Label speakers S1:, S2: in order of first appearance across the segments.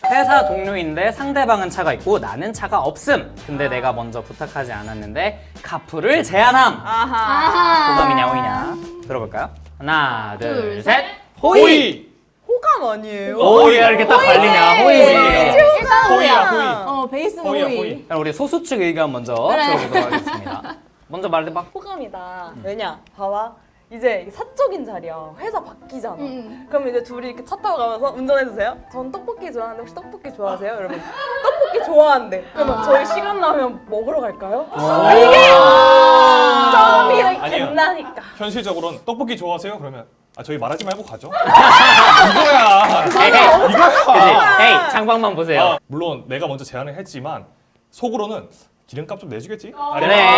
S1: 회사 동료인데 상대방은 차가 있고 나는 차가 없음. 근데 내가 먼저 부탁하지 않았는데 카풀을 제안함.
S2: 아하.
S1: 호감이냐 호이냐 들어볼까요? 하나 둘 셋.
S3: 호의!
S1: 호이.
S2: 호감 아니에요?
S1: 호이야 이렇게 딱 갈리냐 호이지.
S2: 일단
S3: 호이야, 호이.
S2: 베이스는
S3: 호이야,
S2: 호이.
S3: 호이.
S1: 그럼 우리 소수 측 의견 먼저
S2: 그래.
S1: 들어보도록 하겠습니다. 먼저 말해봐.
S2: 호감이다. 왜냐? 봐봐. 이제 사적인 자리야. 회사 바뀌잖아. 그럼 이제 둘이 이렇게 차 타고 가면서 운전해주세요. 전 떡볶이 좋아하는데 혹시 떡볶이 좋아하세요? 여러분 떡볶이 좋아한대. 그러면 저희 시간 나면 먹으러 갈까요? 이게 싸움이 이렇게
S3: 아니에요.
S2: 된다니까.
S3: 현실적으로는 떡볶이 좋아하세요? 그러면 저희 말하지 말고 가죠. 이거야.
S1: 에이,
S3: 이거야.
S1: 그치? 에이 창방만 보세요.
S3: 물론 내가 먼저 제안을 했지만 속으로는 기름값 좀 내주겠지?
S1: 그래.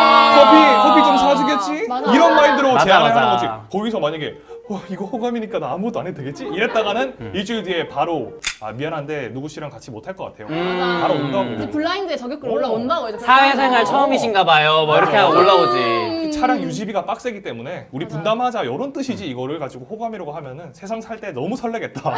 S3: 커피 좀 사주겠지?
S4: 맞아.
S3: 이런 마인드로
S1: 맞아,
S3: 제안을
S1: 맞아.
S3: 하는 거지. 거기서 만약에 이거 호감이니까 나 아무것도 안 해도 되겠지? 이랬다가는 일주일 뒤에 바로 미안한데 누구 씨랑 같이 못 할 것 같아요. 바로
S4: 이제
S3: 온다고.
S4: 블라인드에 저격글 올라온다고 이제.
S1: 사회생활 처음이신가 봐요. 뭐 이렇게 하고 올라오지.
S3: 차량 유지비가 빡세기 때문에 우리 분담하자 이런 뜻이지 이거를 가지고 호감이라고 하면은 세상 살 때 너무 설레겠다.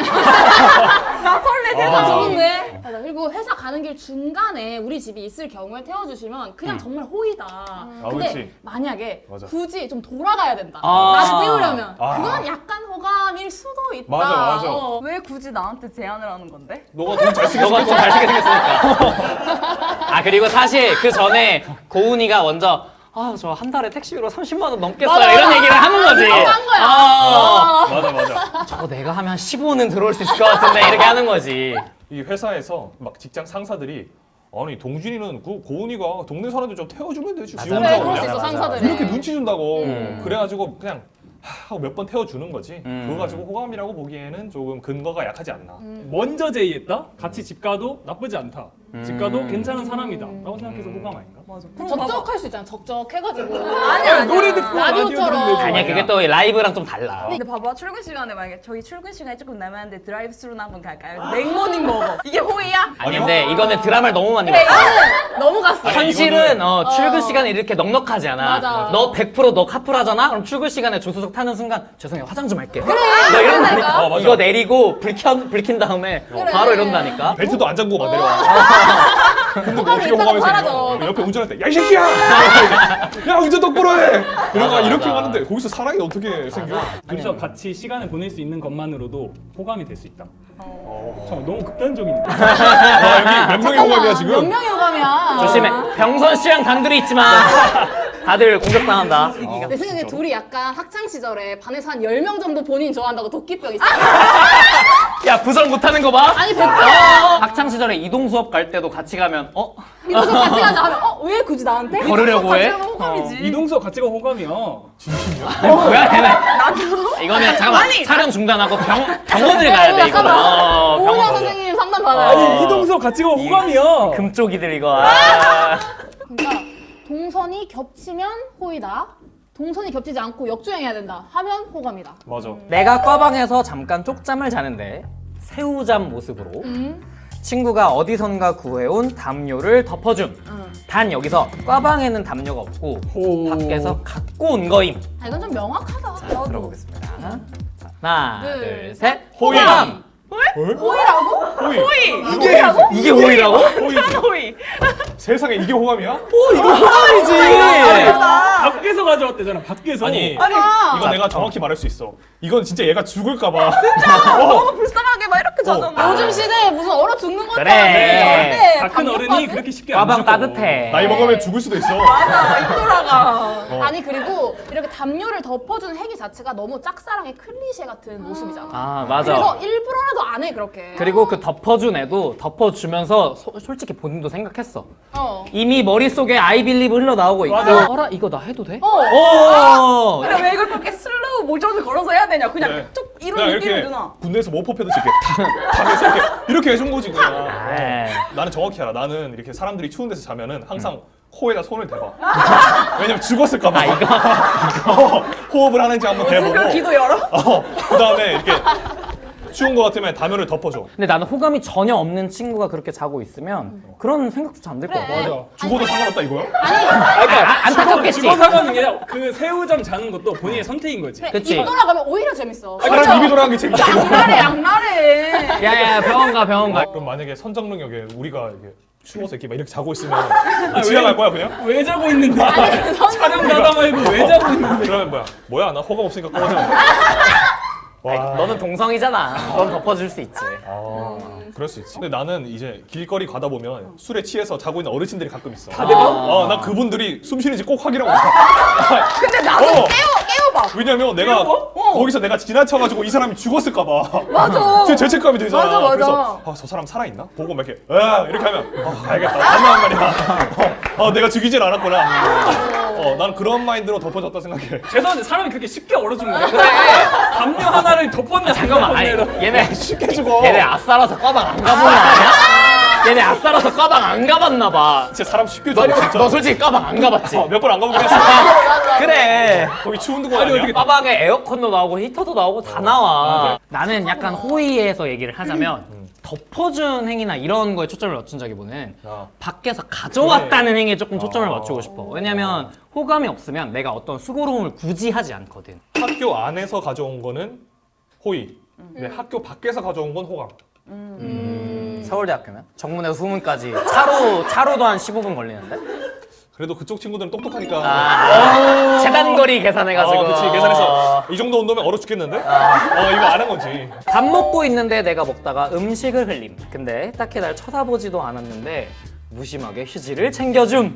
S2: 나 설레
S4: 회사
S2: 세상.
S4: 좋은데? 맞아. 그리고 회사 가는 길 중간에 우리 집이 있을 경우에 태워주시면 그냥 정말 호의다. 근데
S3: 그렇지.
S4: 만약에
S3: 맞아.
S4: 굳이 좀 돌아가야 된다.
S1: 아.
S4: 나를 태우려면
S3: 아.
S4: 그건 약간 호감일 수도 있다.
S3: 맞아.
S2: 왜 굳이 나한테 제안을 하는 건데?
S3: 너가 돈 잘 쓰게
S1: 너가 좀
S3: 생겼잖아.
S1: 잘생겨 생겼으니까. 아 그리고 사실 그 전에 고은이가 먼저 저 한 달에 택시비로 30만 원 넘겠어요
S4: 맞아,
S1: 이런
S4: 맞아.
S1: 얘기를 하는 거지.
S4: 한 거야.
S3: 맞아.
S1: 저거 내가 하면 15는 들어올 수 있을 것 같은데 이렇게 하는 거지.
S3: 이 회사에서 막 직장 상사들이 아니 동준이는 그 고은이가 동네 사람들 좀 태워주면 되지.
S1: 맞아.
S3: 지 혼자
S4: 그래,
S3: 오냐.
S4: 그럴 수 있어,
S1: 맞아.
S4: 상사들이.
S3: 이렇게 눈치 준다고.
S1: 음.
S3: 그래가지고 그냥 하고 몇 번 태워주는 거지.
S1: 음.
S3: 그거 가지고 호감이라고 보기에는 조금 근거가 약하지 않나.
S5: 먼저 제의했다? 같이 집 가도 나쁘지 않다. 집 가도 괜찮은 사람이다. 라고 생각해서 호감 아닌가?
S2: 맞아.
S4: 적적할 수 있잖아. 적적해가지고.
S2: 아니야.
S5: 노래 듣고
S4: 라디오처럼.
S5: 라디오 들으면 되지.
S1: 아니야 그게 또 라이브랑 좀 달라.
S2: 근데 봐봐 출근 시간에 만약에 저희 출근 시간이 조금 남았는데 드라이브스루나 한번 갈까요? 맥모닝 먹어. 이게 호의야?
S1: 아니 근데 이거는 드라마를 너무 많이
S4: 그래,
S1: 봤어.
S4: 이거는 넘어갔어.
S3: 아니,
S1: 현실은
S3: 이거는-
S1: 출근 시간이 이렇게 넉넉하지 않아.
S4: 맞아.
S1: 너 100% 카풀하잖아? 그럼 출근 시간에 조수석 타는 순간 죄송해요 화장 좀 할게. 그래. 너
S4: 그러니까.
S1: 이런다니까.
S3: 맞아.
S1: 이거 내리고 불킨 다음에 바로 이런다니까.
S3: 벨트도 안 잠그고 막 내려와. 근데 뭐
S4: 호감이
S3: 어떻게
S4: 있다고
S3: 호감이
S4: 사라져.
S3: 생겨? 옆에 운전할 때 야 이 새끼야! 야 운전 똑바로 해! 이러고 이렇게
S1: 맞아.
S3: 하는데 거기서 사랑이 어떻게 생겨?
S5: 둘이서 같이 시간을 보낼 수 있는 것만으로도 호감이 될 수 있다. 참 너무 극단적인데.
S3: 와 여기 몇 명의 호감이야
S4: 몇
S3: 지금?
S4: 명이 호감이야.
S1: 조심해. 병선 씨랑 단둘이 있지 마. 다들 공격당한다.
S4: 내 생각에 둘이 약간 학창 시절에 반에서 한 10명 정도 본인 좋아한다고 도끼병 있어.
S1: 야 부설 못하는 거 봐.
S4: 아니 100명.
S1: 학창 시절에 이동 수업 갈 때도 같이 가면
S4: 이거 좀 같이 가자 하면 왜 굳이 나한테?
S1: 걸으려고 해?
S2: 호감이지.
S5: 이동서 같이 가 호감이야.
S1: 뭐야 걔네. 이거는 잠깐만 촬영 중단하고 병원을 가야 돼 이거.
S4: 잠깐만. 오은영
S1: 병원.
S4: 선생님 상담 받아요.
S5: 아니 이동서 같이 가 호감이야.
S1: 금쪽이들 이거.
S4: 그러니까 동선이 겹치면 호이다. 동선이 겹치지 않고 역주행해야 된다 하면 호감이다.
S3: 맞아.
S1: 내가 과방에서 잠깐 쪽잠을 자는데 새우잠 모습으로 친구가 어디선가 구해온 담요를 덮어줌. 단 여기서 과방에는 담요가 없고
S5: 오.
S1: 밖에서 갖고 온 거임.
S4: 아, 이건 좀 명확하다.
S1: 자, 들어보겠습니다. 하나,
S4: 둘,
S1: 둘, 셋.
S3: 호의!
S1: 호감!
S4: 호이라고?
S3: 호의!
S1: 이게 호의라고?
S3: 호의지.
S2: 호의.
S3: 세상에 이게 호감이야?
S1: 호감이지.
S5: 밖에서 가져왔대잖아. 밖에서.
S3: 아니
S4: 아,
S3: 이거 내가 정확히 말할 수 있어. 이건 진짜 얘가 죽을까봐.
S2: 너무 불쌍하게 막 이렇게 자잖아.
S4: 요즘 시대에 무슨 얼어 죽는 것도
S1: 그래.
S4: 아닌데
S5: 다 큰 어른이 그렇게 쉽게 안
S1: 과방
S5: 죽어.
S1: 따뜻해.
S3: 나이 먹으면 죽을 수도 있어.
S2: 돌아가.
S4: 아니 그리고 이렇게 담요를 덮어주는 행위 자체가 너무 짝사랑의 클리셰 같은 모습이잖아.
S1: 아
S4: 그래서
S1: 맞아.
S4: 일부러라도 안 해 그렇게.
S1: 그리고 그 덮어준 애도 덮어주면서 솔직히 본인도 생각했어.
S4: 어.
S1: 이미 머릿속에 I believe 흘러나오고 있고
S5: 맞아.
S1: 어라 이거 나 해도 돼?
S4: 어.
S1: 오!
S2: 근데 왜 이걸 그렇게 슬로우 모션을 걸어서 해야 되냐? 그냥
S3: 그래.
S2: 쭉
S3: 그냥
S2: 이런
S3: 이렇게
S2: 느낌을 주나?
S3: 군대에서 모포패듯이 이렇게 탁 해서 이렇게 해준 거지 그냥.
S1: 에이.
S3: 나는 정확히 알아. 나는 이렇게 사람들이 추운 데서 자면은 항상 코에다 손을 대봐. 왜냐면 죽었을까봐.
S1: 아 이거
S3: 호흡을 하는지 한번 대보고.
S2: 그럼 귀도 열어?
S3: 그 다음에 이렇게 추운 거 같으면 담요를 덮어줘.
S1: 근데 나는 호감이 전혀 없는 친구가 그렇게 자고 있으면 그런 생각조차 안 들 것 같아.
S5: 맞아.
S3: 죽어도 상관없다 이거야?
S1: 안타깝겠지.
S5: 죽어 사과는 게 아니라 그 새우잠 자는 것도 본인의 선택인 거지.
S1: 그치.
S4: 입 돌아가면 오히려 재밌어.
S3: 차라리 입이 돌아간 게 재밌다.
S2: 양날에 양날에.
S1: 야야 병원 가 병원 가.
S3: 그럼 만약에 선정능력에 우리가 이게 추워서 이렇게 막 이렇게 자고 있으면 지나갈 거야 그냥?
S5: 왜 자고 있는데? 촬영 가다 말고 왜 자고 있는데?
S3: 그러면 뭐야 나 호감 없으니까 꺼져. 와.
S1: 너는 동성이잖아. 넌 덮어줄 수 있지.
S3: 그럴 수 있지. 근데 나는 이제 길거리 가다 보면 술에 취해서 자고 있는 어르신들이 가끔 있어. 나 그분들이 숨 쉬는지 꼭 확인하고 있어.
S2: 근데 나도 깨워봐.
S3: 왜냐면 내가 거기서 내가 지나쳐가지고 이 사람이 죽었을까 봐.
S2: 맞아.
S3: 제 죄책감이 들잖아.
S2: 맞아, 맞아.
S3: 그래서 저 사람 살아있나? 보고 막 이렇게 이렇게 하면 알겠다. 맞나 말이야. 내가 죽이질 않았구나. 난 그런 마인드로 덮어졌다 생각해.
S5: 죄송한데 사람이 그렇게 쉽게 얼어 죽는 거야? 그래. 담요 하나를 덮었냐?
S1: 잠깐만. 아니,
S5: 덮었냐?
S1: 얘네
S3: 쉽게 죽어.
S1: 얘네 아싸라서 과방 안 가본 거 아니야? 얘네 아싸라서 과방 안 가봤나 봐.
S3: 진짜 사람 쉽게 죽어 진짜.
S1: 너 솔직히 과방 안 가봤지?
S3: 몇 번 안 가보긴 했어.
S1: 그래.
S3: 거기 추운 데가 아니야?
S1: 과방에 에어컨도 나오고 히터도 나오고 다 나와. 나는 약간 호의에서 얘기를 하자면 덮어준 행위나 이런 거에 초점을 맞춘다기보다는 밖에서 가져왔다는 행위에 조금 초점을 맞추고 싶어. 왜냐면 호감이 없으면 내가 어떤 수고로움을 굳이 하지 않거든.
S3: 학교 안에서 가져온 거는 호의. 근데 학교 밖에서 가져온 건 호감.
S1: 서울대학교면 정문에서 후문까지 차로도 한 15분 걸리는데?
S3: 그래도 그쪽 친구들은 똑똑하니까.
S1: 재단거리 계산해가지고.
S3: 그치 계산해서 이 정도 온도면 얼어 죽겠는데? 이거 아는 거지.
S1: 밥 먹고 있는데 내가 먹다가 음식을 흘림. 근데 딱히 날 쳐다보지도 않았는데 무심하게 휴지를 챙겨줌.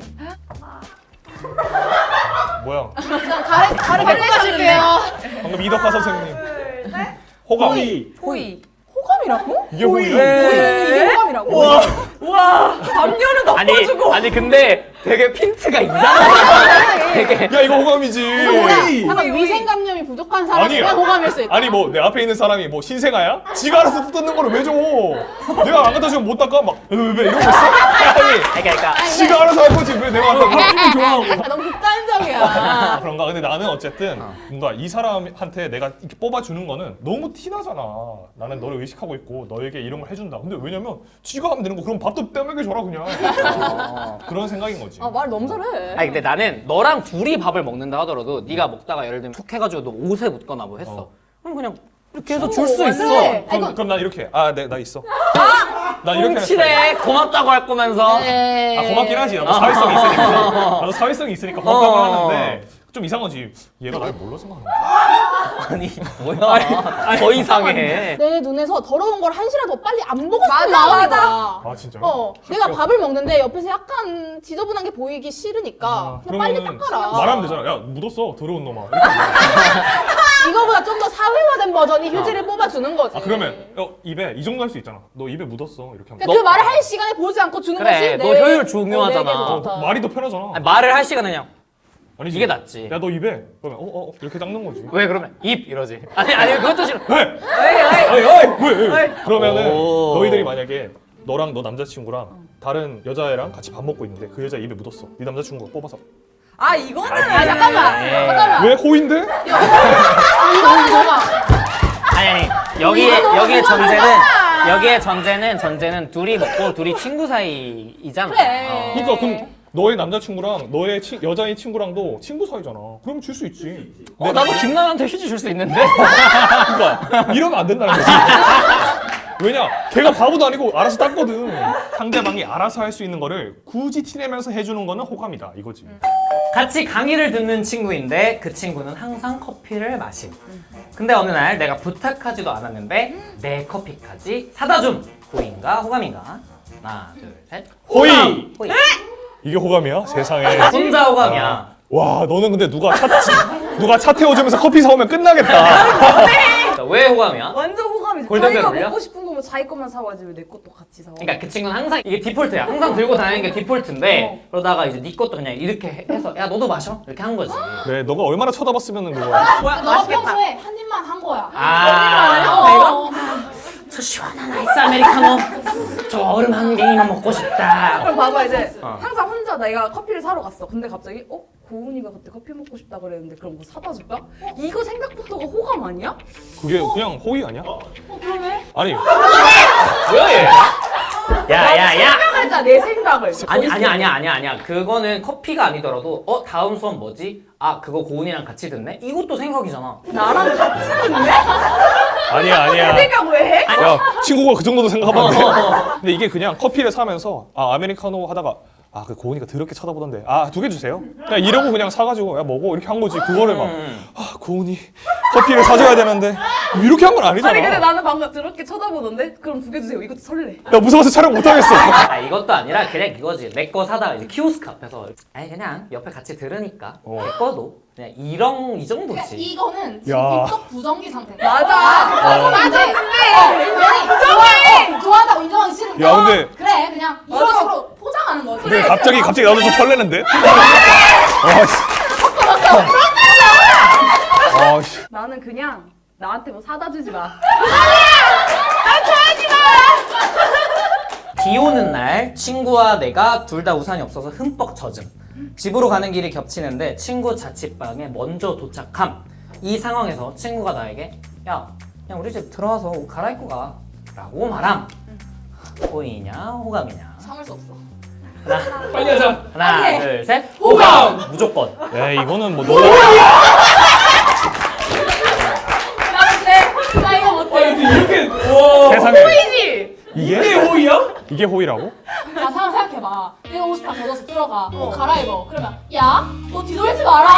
S3: 뭐야?
S4: 그냥 가래 바꿔줄게요.
S3: 방금 이덕화 선생님. 호감.
S2: 호의.
S4: 호감이라고?
S3: 이게 호의야?
S4: 이게 호감이라고?
S2: 와 담요는 덮어주고.
S1: 아니 근데 되게 핀트가 이상하다. 되게
S3: 야 이거 호감이지.
S4: 약간 위생감염이 부족한 사람이면
S3: 아니야.
S4: 호감일 수 있다.
S3: 아니 뭐 내 앞에 있는 사람이 뭐 신생아야? 지가 알아서 뜯는 거를 왜 줘? 내가 안 갖다 주면 못 닦아? 막 왜 이러고 있어? 아니
S1: 그러니까
S3: 지가 알아서 할 거지 왜 내가 갖다 줘?
S5: 기분 좋아하고.
S4: 아, 너무 극단적이야.
S3: 그런가? 근데 나는 어쨌든 뭔가 이 사람한테 내가 이렇게 뽑아주는 거는 너무 티나잖아. 나는 너를 의식하고 있고 너에게 이런 걸 해준다. 근데 왜냐면 지가 하면 되는 거 그럼 밥도 떼먹여 줘라 그냥. 그런 생각인 거지.
S2: 말 너무 잘해.
S1: 아니 근데 나는 너랑 둘이 밥을 먹는다 하더라도 네가 먹다가 예를 들면 툭 해가지고 너 옷에 묻거나 뭐 했어. 그럼 그냥 이렇게 해서 줄 수 있어.
S3: 그럼 난 이렇게 네, 나 있어. 난 이렇게
S1: 훔치네. 고맙다고 할 거면서.
S3: 고맙긴 하지. 나도 사회성이 있으니까. 나도 사회성이 있으니까 고맙다고 하는데 좀 이상하지. 얘가 날 뭘로 생각하는 거야?
S1: 아니 뭐야. 더 이상해.
S4: 내 눈에서 더러운 걸 한시라도 빨리 안 보고 싶은
S2: 맞아,
S4: 마음인
S2: 맞아.
S4: 거야.
S3: 진짜요?
S4: 내가 밥을 먹는데 옆에서 약간 지저분한 게 보이기 싫으니까 그냥 빨리
S3: 그러면은
S4: 닦아라.
S3: 말하면 되잖아. 야 묻었어 더러운 놈아. 이렇게 하면
S4: 이거보다 좀 더 사회화된 버전이 휴지를 뽑아주는 거지.
S3: 그러면 입에 이 정도 할 수 있잖아. 너 입에 묻었어 이렇게 하면.
S4: 그러니까 그 말을 할 시간에 보지 않고 주는
S1: 그래,
S4: 것이
S1: 너 효율 중요하잖아.
S4: 내게 더 좋다.
S3: 말이 더 편하잖아.
S1: 아니, 말을 할 시간은 그냥
S3: 아니지.
S1: 이게 낫지.
S3: 야 너 입에 그러면 이렇게 닦는 거지.
S1: 왜 그러면 입 이러지. 아니 그것도 싫어.
S3: 왜? 왜? 그러면은
S1: 오.
S3: 너희들이 만약에 너랑 너 남자친구랑 다른 여자애랑 같이 밥 먹고 있는데 그 여자 입에 묻었어. 네 남자친구가 뽑아서.
S2: 이거는.
S4: 잠깐만.
S3: 왜 호인데?
S4: 이거는 뭐가?
S1: 아니 여기에 전제는 둘이 먹고 둘이 친구 사이이잖아.
S4: 그래.
S3: 그러니까 그럼 너의 남자친구랑 너의 여자인 친구랑도 친구 사이잖아. 그럼 줄 수 있지.
S1: 나도 김나한테 휴지 줄 수 있는데.
S3: 그러니까 이러면 안 된다는 거지. 왜냐? 걔가 바보도 아니고 알아서 닦거든. 상대방이 알아서 할 수 있는 거를 굳이 티내면서 해주는 거는 호감이다 이거지.
S1: 같이 강의를 듣는 친구인데 그 친구는 항상 커피를 마심. 근데 어느 날 내가 부탁하지도 않았는데 내 커피까지 사다 줌. 호의인가 호감인가? 하나 둘 셋.
S3: 호의!
S1: 호의.
S3: 이게 호감이야? 세상에.
S1: 혼자 호감이야.
S3: 와 너는 근데 누가 차 태워주면서 커피 사오면 끝나겠다.
S1: 왜 호감이야?
S2: 완전 호감이지.
S1: 골든벨
S2: 자기가
S1: 울려?
S2: 먹고 싶은 거면 자기 것만 사와야지 왜 내 것도 같이 사와.
S1: 그러니까 그 친구는 항상 이게 디폴트야. 항상 들고 다니는 게 디폴트인데 그러다가 이제 네 것도 그냥 이렇게 해서 야 너도 마셔 이렇게 한 거지.
S3: 그래 너가 얼마나 쳐다봤으면은 그거야.
S2: 뭐야
S4: 너가 평소에 한 입만 한 거야.
S1: 아, 저 시원한 아이스 아메리카노 저 얼음 한 개만 먹고 싶다.
S2: 그럼 봐봐 이제 항상 혼자 내가 커피를 사러 갔어. 근데 갑자기 고은이가 그때 커피 먹고 싶다 그랬는데 그럼 뭐 사다 줄까? 이거 생각부터가 호감 아니야?
S3: 그게 그냥 호의 아니야?
S4: 그러네.
S3: 아니
S1: 뭐야 얘? 야야야.
S2: 생각하자 내 생각을.
S1: 아니야. 그거는 커피가 아니더라도 다음 수업 뭐지? 아 그거 고은이랑 같이 듣네? 이것도 생각이잖아.
S2: 나랑 같이 듣네?
S3: 아니야.
S2: 생각 왜 해?
S3: 야 친구가 그 정도도 생각하면 안 돼. 근데 이게 그냥 커피를 사면서 아메리카노 하다가 그 고은이가 더럽게 쳐다보던데 2개 주세요. 그냥 이러고 그냥 사가지고 야 먹어 이렇게 한 거지. 그거를 막 고은이 커피를 사줘야 되는데 이렇게 한 건 아니잖아.
S2: 아니 근데 나는 방금 그렇게 쳐다보던데? 그럼 2개 주세요. 이것도 설레.
S3: 야 무서워서 촬영 못 하겠어.
S1: 이것도 아니라 그냥 이거지. 내 거 사다가 이제 키오스크 앞에서 아니 그냥 옆에 같이 들으니까 내 거도 그냥 이 정도지.
S4: 이거는
S3: 야.
S4: 입덕 부정기 상태.
S2: 맞아.
S4: 맞아. 부정해. 좋아한다고 인정하기 싫으니까.
S3: 야, 근데-
S4: 그래 그냥 이런 식으로 포장하는 거지.
S3: 근데 갑자기 나도 좀 설레는데. 씨.
S2: 나는 그냥 나한테 뭐 사다 주지 마.
S1: 비 오는 날 친구와 내가 둘 다 우산이 없어서 흠뻑 젖음. 집으로 가는 길이 겹치는데 친구 자취방에 먼저 도착함. 이 상황에서 친구가 나에게 야 그냥 우리 집 들어와서 옷 갈아입고 가 라고 말함. 호의냐 호감이냐.
S4: 참을 수 없어.
S5: 빨리 하자.
S1: 하나
S4: 빨리 해.
S1: 둘 셋.
S5: 호감!
S1: 무조건.
S3: 야 이거는 뭐 너무
S4: 나 이거 못해.
S5: 이렇게 와.
S3: 세상에
S2: 호이지?
S3: 이게
S5: 호의야?
S3: 이게 호의라고?
S4: 야 생각해봐. 내가 옷이 다 젖어서 들어가. 갈아입어. 그러면 야 너 뒤돌지 마라.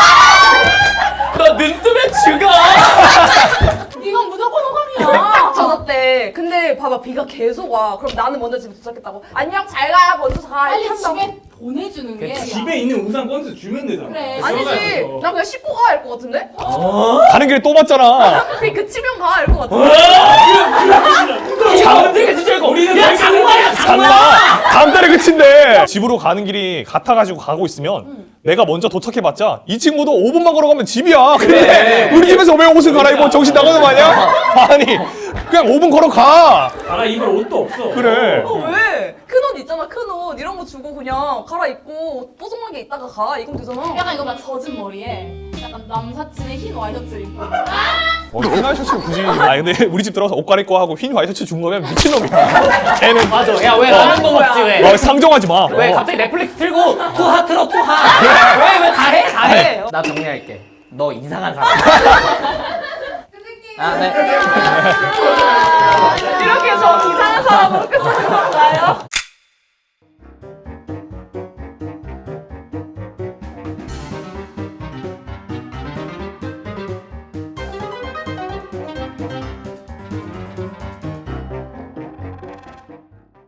S1: 너 눈뜨면 죽어.
S4: 이건 무조건 호감이야.
S2: 젖었대. 근데 봐봐 비가 계속 와. 그럼 나는 먼저 집에 도착했다고. 안녕 잘 가. 먼저 가.
S4: 빨리
S2: 이렇게 한다고.
S4: 집에 보내주는 게.
S5: 집에 있는 우산 꺼내서 주면 되잖아.
S4: 그래.
S2: 아니지. 나 그냥 씻고 가 할 것 같은데?
S3: 가는 길에 또 봤잖아.
S2: 그냥 그치면 가 할 것 같은데?
S1: 장난이가 진짜 이거. 야 장난이야
S3: 장난. 다음 달에 그친데. 집으로 가는 길이 같아가지고 가고 있으면 내가 먼저 도착해봤자 이 친구도 5분만 걸어가면 집이야. 근데 우리 집에서 왜 옷을 갈아입어? 정신 나가는 거 아니야? 아니 그냥 5분 걸어가.
S5: 알아 입을 옷도 없어.
S3: 그래.
S2: 왜? 큰 옷 있잖아 큰 옷 이런 거 주고 그냥 갈아입고 뽀송하게 있다가 가 이건 되잖아.
S4: 약간 이거 막 젖은 머리에 약간 남사친의 흰 와이셔츠 입고.
S3: 흰 와이셔츠를 굳이. 근데 우리 집 들어가서 옷 갈아입고 하고 흰 와이셔츠 준 거면 미친놈이야. 걔는
S1: 맞아. 야 왜 라면 거 먹지 왜?
S3: 상정하지 마.
S1: 왜 갑자기 넷플릭스 틀고 투하 틀어 투하. 왜 다 해? 다 해. 나 정리할게. 너 이상한 사람. 네.
S2: 이렇게 저 이상한 사람으로 끝나는 건가요?